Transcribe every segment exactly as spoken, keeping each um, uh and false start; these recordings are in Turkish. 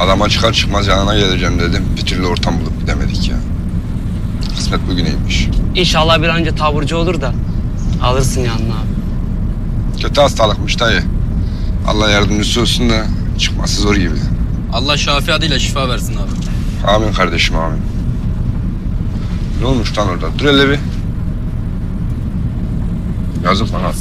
Adama çıkar çıkmaz yanına geleceğim dedim. Bir türlü ortam bulup gidemedik ya. Kısmet bugüneymiş. İnşallah bir an önce taburcu olur da alırsın yanına abi. Kötü hastalıkmış dayı. Allah yardımcısı olsun da çıkması zor gibi. Allah Şafi adıyla şifa versin abi. Amin kardeşim, amin. Ne olmuş lan orada? Dur hele bir. Yazık bana.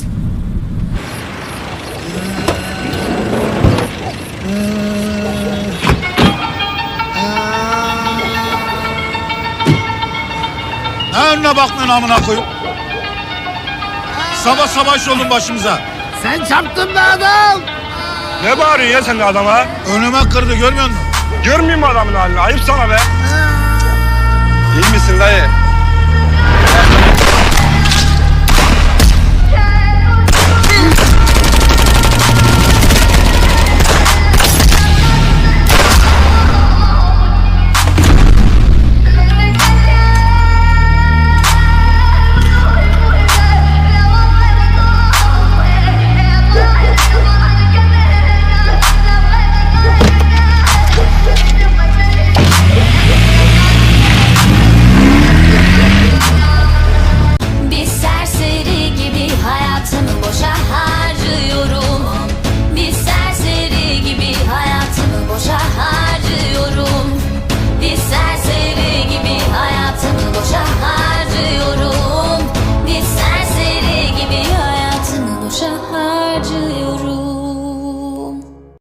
Ne önüne bakmıyorsun amına koyayım? Sabah sabah iş oldun başımıza. Sen çarptın be adam. Ne bağırıyorsun ya sen de adama? Önüme kırdı görmüyor musun? Görmeyeyim mi adamın halini? Ayıp sana be. İyi misin dayı?